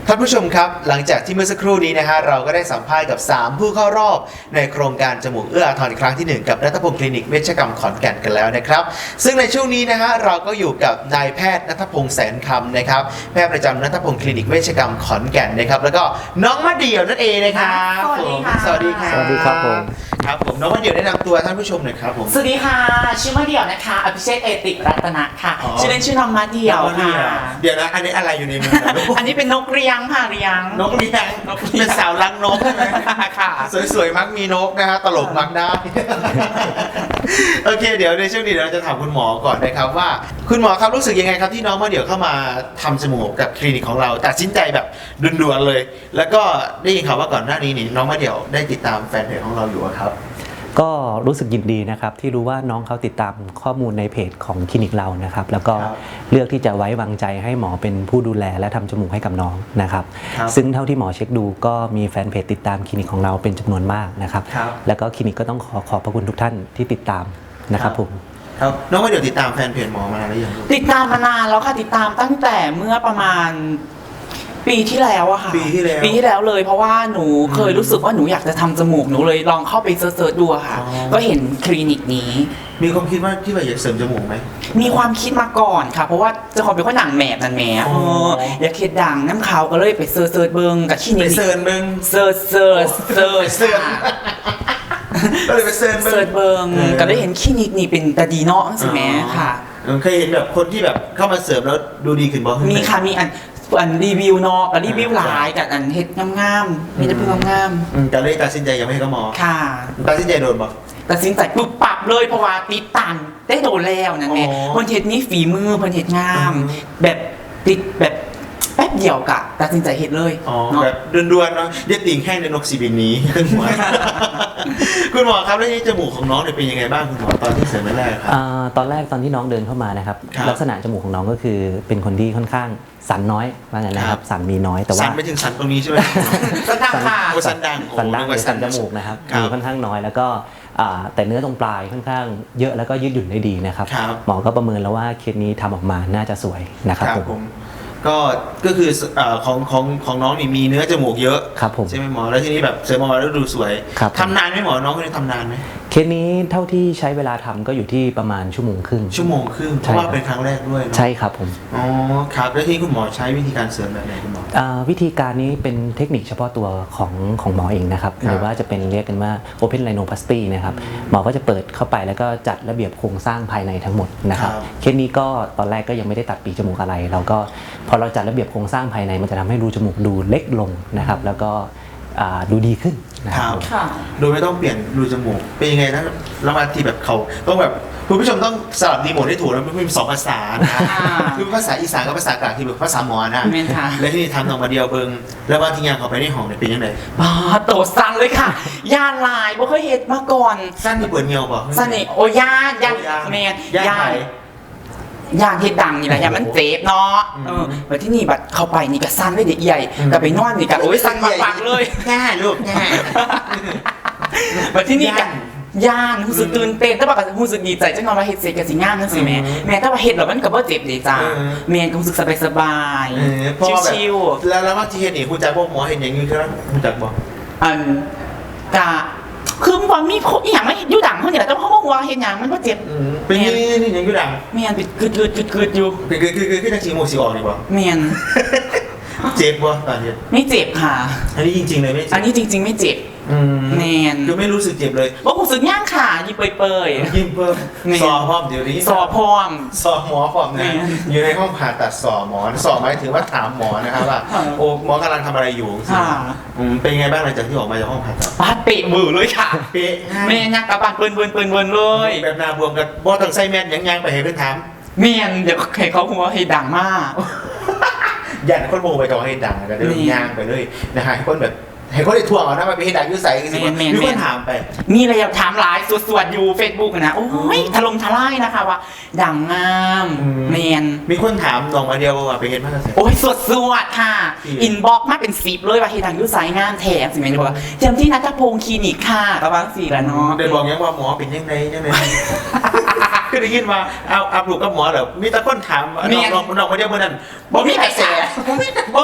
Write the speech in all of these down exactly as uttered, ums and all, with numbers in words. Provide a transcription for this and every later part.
ท่านผู้ชมครับหลังจากที่เมื่อสักครู่นี้นะฮะเราก็ได้สัมภาษณ์กับสามผู้เข้ารอบในโครงการจมูกเอื้ออาทรครั้งที่หนึ่งกับณัฐพงศ์คลินิกเวชกรรมขอนแก่นกันแล้วนะครับซึ่งในช่วงนี้นะฮะเราก็อยู่กับนายแพทย์ณัฐพงศ์แสนคำนะครับแพทย์ประจำณัฐพงศ์คลินิกเวชกรรมขอนแก่นนะครับแล้วก็น้องมะเดี่ยวนั่นเองนะครับสวัสดีค่ะสวัสดีครับสวัสดีครับผมครับผมน้องมะเดี่ยวแนะนำตัวท่านผู้ชมหน่อยครับผมสวัสดีค่ะชื่อมะเดี่ยวนะคะอภิเชษฐ์เอติรัตนะค่ะอ๋อชื่อเล่นชื่อน้องมะเดี่ยวน้องมะเดี่ค่ะยวเดี๋ยวนะอันนี้อะไรอยู่ในมือนะลูกอันนี้เป็นนกเรียงค่ะเรียงนกเลี้ยงนกเลี้ยงเป็นสาวรังนกใช่ไหมค่ะสวยๆมักมีนกนะฮะตลกมักได้ โอเค เดี๋ยวในช่วงนี้เดี๋ยวเราจะถามคุณหมอก่อนนะครับว่า คุณหมอครับรู้สึกยังไงครับที่น้องมาเดี๋ยวเข้ามาทำจมูกกับคลินิกของเราตัดสินใจแบบด่วนๆเลย แล้วก็ได้ยินข่าวว่าก่อนหน้านี้นี่น้องมาเดี๋ยวได้ติดตามแฟนเพจของเราอยู่อะครับก็รู้สึกยินดีนะครับที่รู้ว่าน้องเขาติดตามข้อมูลในเพจของคลินิกเรานะครับแล้วก็ครับเลือกที่จะไว้วางใจให้หมอเป็นผู้ดูแลและทำจมูกให้กับน้องนะครับครับซึ่งเท่าที่หมอเช็คดูก็มีแฟนเพจติดตามคลินิกของเราเป็นจำนวนมากนะครับครับแล้วก็คลินิกก็ต้องขอขอบพระคุณทุกท่านที่ติดตามนะครับผมครับน้องมาเดี๋ยวติดตามแฟนเพจหมอมานานหรือยังลูกติดตามมานานแล้วค่ะติดตามตั้งแต่เมื่อประมาณปีที่แล้วอะค่ะปีที่แล้วปีที่แล้วเลยเพราะว่าหนูเคยรู้สึกว่าหนูอยากจะทำจมูกหนูเลยลองเข้าไปเซิร์ชๆดูอะค่ะอ๋อก็เห็นคลินิกนี้มีความคิดว่าที่ว่าอยากเสริมจมูกไหมมีความคิดมาก่อนค่ะ เพราะว่าเจะขอเป็นคนหนังแหมบนั่นแหมอ๋อเอออยากเห็ดดังน้ำขาวก็เลยไปเซิร์ชเซิร์ชเบิงกับคลินิไปกเซิร์นเบิ้งเซิร์ชเซิร์ชเซิร์ชเซิร์ช ก็เลยไปเซิร์นเบิ้งเซิร์ชเบิงเออก็ได้เห็นคลินิกนี่เป็นตาดีเนาะใช่ไหมค่ะเออเคยเห็นแบบคนที่แบบเข้ามาเสริมแล้วดูดีขึ้นบ้างมีค่ะมีอันอันรีวิวเนาะกับรีวิวหลายกับอันเฮ็ดงามๆมีแต่เพื่งามอืมแต่เลยตัดสินใจยังไม่ให้เขาหมอๆค่ะตัดสินใจโดนบ่ตัดสินใจปุ๊บปรับเลยเพราะว่าติดตันได้โดนแล้วนั่นแหละอ๋อเพิ่นเฮ็ดนี่ฝีมือเพิ่นเฮ็ดงามอืมแบบติดแบบแป๊บเดียวกะตัดสินใจเฮ็ดเลยอ๋อเนาะแบบด่วนๆเนาะเรียกติ่งแห้งในนกสีบินนี้ ขึ้นหัว คุณหมอครับแล้วนี่จมูกของน้องเนี่ยเป็นยังไงบ้างคุณหมอตอนที่เสริมแรกๆครับอ่าตอนแรกตอนที่น้องเดินเข้ามานะครับครับลักษณะจมูกของน้องก็คือเป็นคนที่ค่อนข้างสันน้อยว่างั้นนะคครัรับบ สันมีน้อยแต่ว่าสันไปถึงสันตรงนี้ใช่ไหมสันดังค่ะโอ้สันดังโอ้สันดั้งหนึกรือว่าสันจมูกนะครับครับมีค่อนข้างน้อยแล้วก็อ่าแต่เนื้อตรงปลายค่อนข้างเยอะแล้วก็ยืดหยุ่นได้ดีนะครับครับหมอก็ประเมินแล้วว่าเคสนี้ทำออกมาน่าจะสวยนะครับผมก็ก็คือเอ่อของของของน้องนี่มีเนื้อจมูกเยอะครับผมใช่ไหมหมอแล้วทีนี้แบบเสริมออกมาแล้วดูสวยครับทำนานไหมหมอน้องคนนี้ทำนานไหมเคสนี้เท่าที่ใช้เวลาทำก็อยู่ที่ประมาณชั่วโมงครึ่งชั่วโมงครึ่งเพใช่ราะว่าครับเป็นครั้งแรกด้วยเนอะใช่ครับผมอ๋อครับแล้วที่คุณหมอใช้วิธีการเสริมแบบไหนคุณหมออ่าวิธีการนี้เป็นเทคนิคเฉพาะตัวของของหมอเองนะครับครับหรือว่าจะเป็นเรียกกันว่า Open Rhinoplasty นะครับหมอก็จะเปิดเข้าไปแล้วก็จัดระเบียบโครงสร้างภายในทั้งหมดนะครับครับเคสนี้ก็ตอนแรกก็ยังไม่ได้ตัดปีกจมูกอะไร เราก็พอเราจัดระเบียบโครงสร้างภายในมันจะทำให้รูจมูกดูเล็กลงนะครับแล้วก็อ่าดูดีขึ้นนะคครัรับบค่ะโดยไม่ต้องเปลี่ยนรูจมูกเป็นยังไงนะแล้วมาที่แบบเขาต้องแบบคุณผู้ชมต้องสลับดีโมทให้ถูกแล้วมันมีสองภาษานะอ่าคือภาษาอีสานกับภาษากลางที่แบบภาษาหมอนะแม่นค่ะแล้วที่นี่ทำออกมาเดียวเบิงแล้วบางทีงานเขาไปในห้องเนี่ยเป็นยังไงบ้าโตสั่นเลยค่ะย่านลายบ่เคยเฮ็ดมาก่อนสั้นที่เปิดเงียวป่ะสนิทโอ้ย่านย่านโอ้ย่านแม่นย่านย่าไหนนย่านเฮ็ดดังนี่แหละย่านมันเจ็บเนาะอืมเออบัดที่นี่บัดเข้าไปนี่ก็สั่นเลยเด็กใหญ่อืมก็ไปนอนนี่ก็โอ้ยสั่นปักๆเลยแง่ลูกแง่บัดที่นี่ก็ย่านย่านรู้สึกตื่นเต้นแต่ว่าก็รู้สึกดีใจจังว่าเฮ็ดเสร็จก็สิงามจังซี่แม่อืมแม่แต่ว่าเฮ็ดแล้วมันก็บ่เจ็บเด้จ้าเออแม่ก็รู้สึกสบายเออเพราะว่าแบบชิวแล้วแล้วบางทีเห็นนี่คุณจักพวกหมอเห็นอย่างนี้คือคุณจักบอกๆอันกะคือมันมีอีหยังมาเฮ็ดอยู่ดังเฮานี่แหละแต่ว่าเฮาบ่ฮู้ว่าเฮ็ดหยังมันบ่เจ็บเป็นนี่นี่อย่างอยูดังแม่นเป็นกึดๆๆๆอยู่เป็นคือคือคือคือจังสีโมสีออกดีกว่าแม่นเจ็บป่ะตอนนี้ไม่เจ็บค่ะอันนี้จริง ๆ เลยไม่เจ็บอันนี้จริง ๆ ไม่เจ็บอืมแมนคือไม่รู้สึกเจ็บเลยว่าผมสึกย่างขายิ้มเปยยิ้มเพิ่มแม่สอพร้อมเดี๋ยวนี้ๆสอพร้อมสอหมอพร้อมแม่นะอยู่ในห้องผ่าตัดสอหมอสอหมายถึงว่าถามหมอนะครับว่าค่ะโอ้หมอกำลังทำอะไรอยู่ค่ะอืมเป็นไงบ้างหลังจากที่ออกมาจากห้องผ่าตัดปาดเปะมือเลยค่ะเป๊ะแม่ยักกระบาดเปิ้นเปิ้นเปิ้นเปิ้นเลยแบบหนาบวมกับบอต้องใส่แมสยังยังไปให้เพื่อนถามเมียนเดี๋ยวให้เขาหัวให้ดังมากยันคนโมไปกับให้ดังแต่เดินนี่ย่างไปเลยนะฮะให้คนแบบให้คนได้ทวงเอานะมาไปให้ดังอยุ่ใส่กันสิแม่นแม่นมีคแม่นนถามไปมีอะไรอยากถามหลายสวดๆอยู่เฟซบุ๊กนะโอ้ยถล่มทลายนะคะว่า ดังงามอืมแมนมีคนถามน้องมาเดียวว่าไปเห็นมากเลยโอ้ยสวดสวดค่ะอืมอินบ็อกมาเป็นสิบเลยว่าเฮดังอยุสายงานแถมสิแม่นบอกว่าเจมที่นัทพงศ์คลินิกค่ะประมาณสี่ละเนาะเดินบอกยังว่าหมอเป็นยังไงยังไง คือได้ยินมาเอาอัพลูกกับหมอเหรอมีแต่คนถามน้องน้องน้องมาเดียวเมื่อนั้นบ่มีกระแสบ่มีกระแส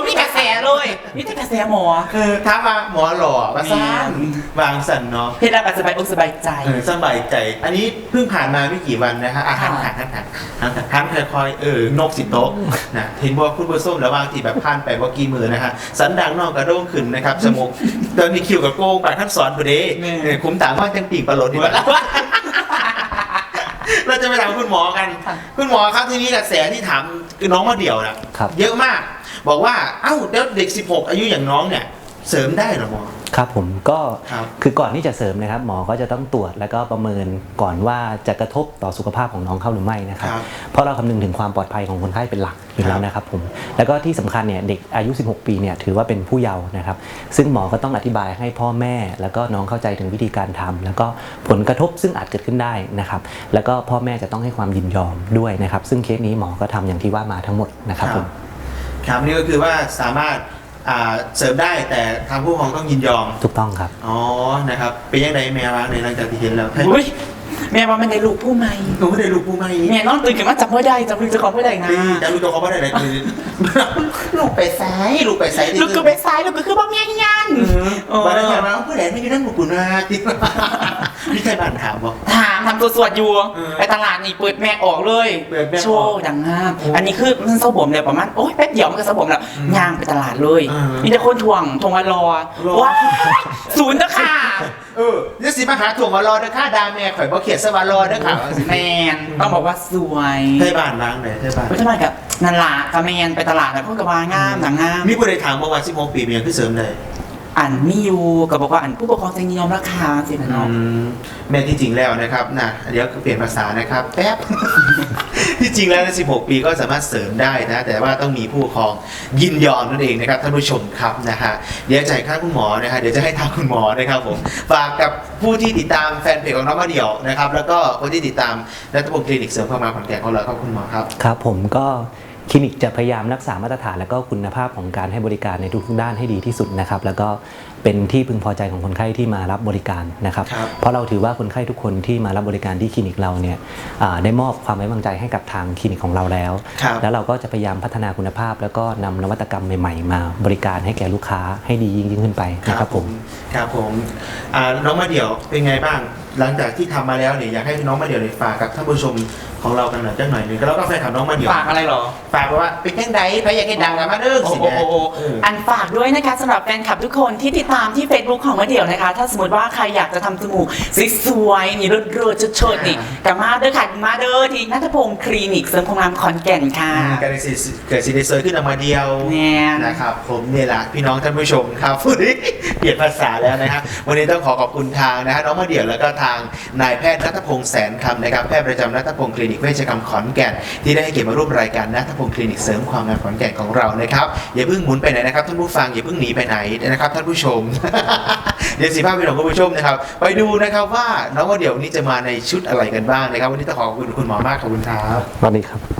เลยนี่จะกระแสหมอเออถามมาหมอหล่อมาสร้างวางสันเนาะเฮ็ดแล้วก็สบายอกสบายใจเออสบายใจ อันนี้เพิ่งผ่านมาไม่กี่วันนะฮะอาหารค่ะหันหันหันหันหันหันค่อยๆเออนกสิโต๊ะนะเห็นว่าคุณผู้ส้มแล้วบางทีแบบผ่านไปว่ากี่มือนะฮะสันดังนอกกระโด้งขึ้นนะครับจมูกตอนนี้คิวกับโก้งปากท่านสอนพอดีเออคุ้มต่างว่างจังปีกปลาหลดดีกว่า เราจะไปถามคุณหมอกันค่ะคุณหมอครับทีนี้กระแสที่ถามคือน้องมาเดี่ยวนะครับ เยอะมาก บอกว่าเอ้าแล้วเด็กสิบหกอายุอย่างน้องเนี่ยเสริมได้เหรอหมอครับผมก็ครับคือก่อนที่จะเสริมนะครับหมอก็จะต้องตรวจแล้วก็ประเมินก่อนว่าจะกระทบต่อสุขภาพของน้องเขาหรือไม่นะครับครับเพราะเราคำนึงถึงความปลอดภัยของคนไข้เป็นหลักอยู่แล้วนะครับผมแล้วก็ที่สำคัญเนี่ยเด็กอายุสิบหกปีเนี่ยถือว่าเป็นผู้เยาว์นะครับซึ่งหมอก็ต้องอธิบายให้พ่อแม่แล้วก็น้องเข้าใจถึงวิธีการทำแล้วก็ผลกระทบซึ่งอาจเกิดขึ้นได้นะครับแล้วก็พ่อแม่จะต้องให้ความยินยอมด้วยนะครับซึ่งเคสนี้หมอก็ทำอย่างที่ว่ามาทั้งหมดนะครับผมครับนี่ก็คือว่าสามารถอ่าเสริมได้แต่ทางผู้ปกครองต้องยินยอมถูกต้องครับอ๋อนะครับเป็นยังไงแม่ว่าในหลังจากที่เห็นแล้วให้อุ้ยแม่ว่ามันได้ลูกผู้ใหม่หนูไม่ได้ลูกผู้ไม่แม่นอนตื่นขึ้นมาจำไม่ได้จำลืมจะขอไม่ได้นะจะรู้ตัวเขาไม่ได้เลยคือ ลูกไปซ้ายลูกไปซ้ายลูกก็ไปซ้ายลูกก็คือบ่แม่ยันบ้านนั้นมาผู้ใดไม่ได้นั่งบุกุนาตินี่ใครบ้านถามบอกถามทำตัวสวดอยู่เออไปตลาดนี่เปิดแม่ออกเลยเปิดแม่ออกโชว์ดังงามอันนี้คือมันเศร้าบ่มเลยประมาณโอ๊ยแป๊บเดียวมันก็เศร้าบ่มแล้วย่างไปตลาดเลยเออมีแต่คนทวงทวงมารอรอว้ายศูนย์เด้อค่ะเออนี่สิมาหาถ่วงมารอเด้อค่าดาแม่ข่อยบ่เขียนสวารอเด้อค่ะแมนต้องบอกว่าสวยใช่บ้านล้างเลยใช่บ้านไปทำไมกับนันลากับแมนไปตลาดแล้วก็กระวางามหนังงามมีผู้ใดถามเมื่อวานสิบหกปีเป็นยังคือเสริมเลยอันมีอยู่ก็บอกว่าอันผู้ปกครองจะนิยมราคาสินะเนาะแม่ที่จริงแล้วนะครับนะเดี๋ยวเปลี่ยนภาษานะครับแป๊บ ที่จริงแล้วในสิบหกปีก็สามารถเสริมได้นะแต่ว่าต้องมีผู้ปกครองยินยอมนั่นเองนะครับท่านผู้ชมครับนะฮะเดี๋ยวจ่ายค่าคุณหมอนะฮะเดี๋ยวจะให้ทางคุณหมอนะครับผมฝากกับผู้ที่ติดตามแฟนเพจของน้องมาเดี่ยวนะครับแล้วก็คนที่ติดตามรัฐบงคลินิกเสริมความงามขอนแก่นของเราครับคุณหมอครับครับผมก็คลินิกจะพยายามรักษามาตรฐานและก็คุณภาพของการให้บริการในทุกๆด้านให้ดีที่สุดนะครับแล้วก็เป็นที่พึงพอใจของคนไข้ที่มารับบริการนะครับครับเพราะเราถือว่าคนไข้ทุกคนที่มารับบริการที่คลินิกเราเนี่ยอ่าได้มอบความไว้วางใจให้กับทางคลินิกของเราแล้วครับแล้วเราก็จะพยายามพัฒนาคุณภาพ แล้วก็นำนวัตกรรมใหม่ๆ มาบริการให้แก่ลูกค้าให้ดียิ่งๆขึ้นไปนะครับผมครับผมอ่าน้องมาเดี่ยวเป็นไงบ้าง หลังจากที่ทำมาแล้วเนี่ยอยากให้น้องมาเดี่ยวเนี่ยฝากกับท่านผู้ชมของเรากันหน่อยจังหน่อยหนึงแล้วก็แฟนคลับน้องมาเดี่ยวฝากอะไรเหรอฝากไว้ว่าเป็นยังไงใครอยากให้ดังกันมาเด้อโอ้สิโหแม่โอ้โหอันฝากด้วยนะคะสำหรับแฟนคลับทุกคนที่ติดตามที่ Facebook ของมะเดี่ยวนะคะ ถ้าสมมติว่าใครอยากจะทำจมูกสวยๆนี่เลิศๆเชิดๆนี่กับมาเด้อค่ะมาเด้อที่นัทพงศ์คลินิกเสริมความงามขอนแก่นค่ะการเกิดเกิดซีเดเซอร์ขึ้นออกมาเดียวแน่นนะครับผมเนี่ยแหละพี่น้องท่านผู้ชมครับ พูดดิเปลี่ยนภาษาแล้วนะฮะวันนี้ต้องขอขอบคุณทางนะฮะน้องมาเดี่ยวแล้วก็ทางนายแพทย์ณัฐพงศ์แสนคำนะครับแพทย์ประจำณัฐพงศ์คลินิกเวชกรรมขอนแก่นที่ได้ให้เกียรติมาร่วมรายการณัฐพงศ์คลินิกเสริมความงามขอนแก่นของเรานะครับอย่าเพิ่งหมุนไปไหนนะครับท่านผู้ฟังอย่าเพิ่งหนีไปไหนนะครับท่านผู้ชม เดี๋ยวสิภาพพี่น้องคุณผู้ชมนะครับไปดูนะครับว่าน้องมาเดี่ยวนี้จะมาในชุดอะไรกันบ้างนะครับวันนี้ต้องขอขอบคุณคุณหมอมากขอบคุณครับสวัสดีครับ